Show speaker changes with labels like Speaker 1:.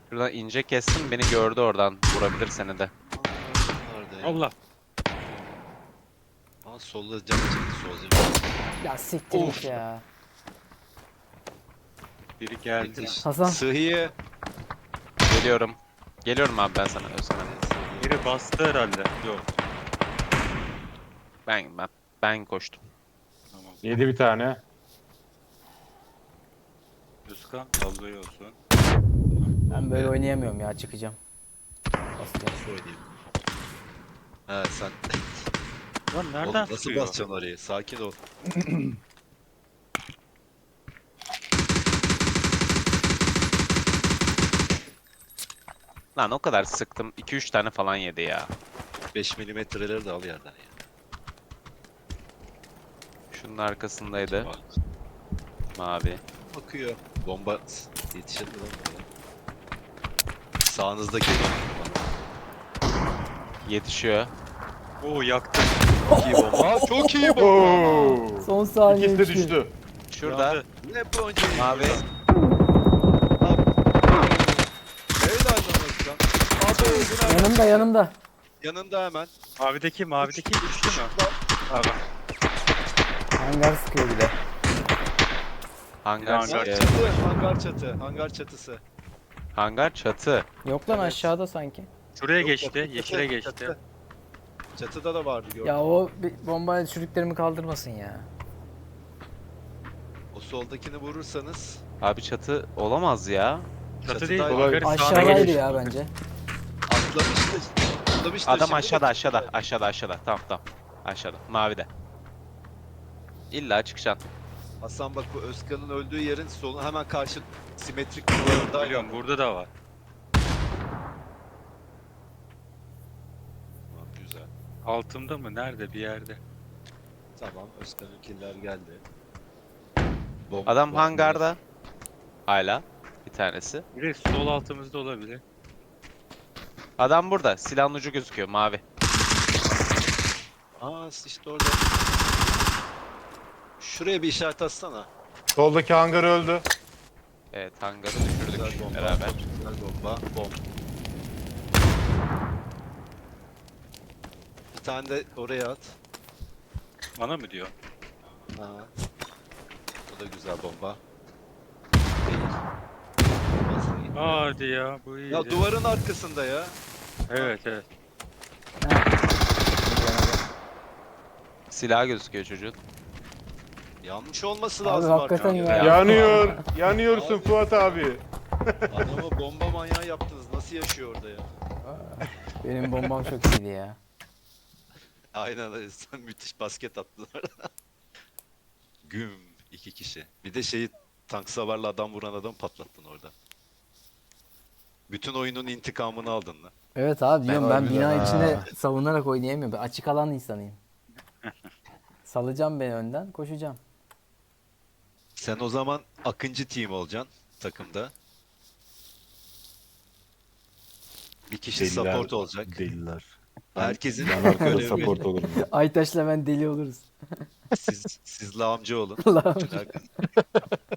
Speaker 1: Şuradan ince kestim, beni gördü oradan. Vurabilir seni de.
Speaker 2: Nerede ya?
Speaker 3: Allah.
Speaker 2: Aa, solda cam çekti sol cam.
Speaker 4: Ya siktir
Speaker 3: Of.
Speaker 4: git ya.
Speaker 3: Biri geldi.
Speaker 2: Yetiş.
Speaker 4: Hasan.
Speaker 2: Sıhhiye.
Speaker 1: Geliyorum. Geliyorum abi ben sana Özkan.
Speaker 3: Biri bastı herhalde. Yok.
Speaker 1: Ben koştum.
Speaker 3: Tamam.
Speaker 5: Yedi bir tane.
Speaker 3: Özkan vallahi olsun.
Speaker 4: Ben böyle oynayamıyorum ya, çıkacağım. Basacağım.
Speaker 2: Şu oynayayım. He sen.
Speaker 3: Lan
Speaker 2: Oğlum,
Speaker 3: nereden
Speaker 2: nasıl
Speaker 3: sıkıyor?
Speaker 2: basacaksın orayı? Sakin ol.
Speaker 1: Lan o kadar sıktım. 2-3 tane falan yedi ya.
Speaker 2: 5 milimetreleri de al yerden ya.
Speaker 1: Şunun arkasındaydı.
Speaker 2: Bak,
Speaker 1: Mavi.
Speaker 2: bakıyor. Bomba yetişir mi lan buraya? Sağınızda geliyor.
Speaker 1: Yetişiyor.
Speaker 3: Oo yaktı.
Speaker 2: Çok iyi bomba. Aa, çok iyi bomba.
Speaker 5: Oo.
Speaker 4: Son saniye
Speaker 5: İkisi de
Speaker 4: üçlü.
Speaker 5: düştü.
Speaker 1: Şurada.
Speaker 3: Yandı.
Speaker 2: Ne boncayı?
Speaker 1: Mavi.
Speaker 2: Helal lan Özkan. Abi bu nerede?
Speaker 4: Yanımda yanımda.
Speaker 2: Yanında hemen.
Speaker 3: Mavideki düştü mü? Abi.
Speaker 4: Hangar sıkıyor bir de.
Speaker 1: Hangar,
Speaker 3: Hangar
Speaker 2: Hangar
Speaker 1: e,
Speaker 2: çatı. Hangar çatı. Hangar çatısı.
Speaker 1: hangar çatı.
Speaker 4: Yok lan,
Speaker 2: Evet.
Speaker 4: aşağıda sanki.
Speaker 3: Şuraya
Speaker 2: Yok,
Speaker 3: geçti.
Speaker 2: çatı,
Speaker 3: Yeşile geçti.
Speaker 2: çatı. Çatıda da vardı gördüm.
Speaker 4: Ya o bombayla çürüklerimi kaldırmasın ya.
Speaker 2: O soldakini vurursanız
Speaker 1: Abi çatı olamaz ya.
Speaker 3: Çatı değil.
Speaker 2: Çatıda-
Speaker 3: Hangarın sağına
Speaker 4: Aşağıdaydı
Speaker 3: geçti.
Speaker 4: ya bence.
Speaker 2: atlamıştı. Atlamıştı
Speaker 1: Adam
Speaker 2: şimdi.
Speaker 1: aşağıda. Tamam. Aşağıda. Mavide. İlla çıkacaksın.
Speaker 2: Hasan bak, bu Özkan'ın öldüğü yerin solu hemen karşı simetrik duvarında.
Speaker 3: Biliyorum burada da var.
Speaker 2: Tamam, güzel.
Speaker 3: Altımda mı? Nerede? Bir yerde.
Speaker 2: Tamam, Özkan'ın killer geldi.
Speaker 1: Adam hangarda. Hala. Bir tanesi.
Speaker 3: Biri sol altımızda olabilir.
Speaker 1: Adam burada. Silahın ucu gözüküyor. Mavi.
Speaker 2: Aa, işte orada. Şuraya bir işaret atsana.
Speaker 5: Soldaki hangar öldü.
Speaker 1: Evet hangarı
Speaker 2: Güzel
Speaker 1: düşürdük
Speaker 2: bomba.
Speaker 1: beraber.
Speaker 2: Güzel bomba. Bom. Bir tane de oraya at.
Speaker 3: Bana mı diyor?
Speaker 2: Ha. O da güzel bomba. Değil.
Speaker 3: Hadi ya bu iyi.
Speaker 2: Ya duvarın arkasında ya.
Speaker 3: Evet.
Speaker 1: Silah gözüküyor çocuğun.
Speaker 2: Yanlış olması
Speaker 4: Abi
Speaker 2: lazım
Speaker 4: hakikaten
Speaker 2: artık.
Speaker 4: ya.
Speaker 5: Yanıyor. Yanıyorsun
Speaker 2: Abi.
Speaker 5: Fuat abi.
Speaker 2: Adamı bomba manyağı yaptınız. Nasıl yaşıyor orada ya?
Speaker 4: Benim bombam çok iyiydi ya.
Speaker 2: Aynen öyle. Sen müthiş basket attılar. Güm. 2 kişi. Bir de şeyi, tank savarla adam vuran adam patlattın orada. Bütün oyunun intikamını aldın lan.
Speaker 4: Evet abi diyorum, ben
Speaker 5: harbiden
Speaker 4: bina
Speaker 5: ha.
Speaker 4: içinde savunarak oynayamıyorum. Ben açık alan insanıyım. Salacağım beni önden, koşacağım.
Speaker 2: Sen o zaman Akıncı team olacaksın takımda. Bir kişi support olacak.
Speaker 5: Deliler.
Speaker 2: Herkesin
Speaker 5: Ben arkada
Speaker 2: görevi
Speaker 5: support
Speaker 2: belli.
Speaker 5: olurum.
Speaker 4: Aytaş'la ben deli oluruz.
Speaker 2: Siz lağımcı olun.
Speaker 4: Allah'ım.
Speaker 2: Herkes-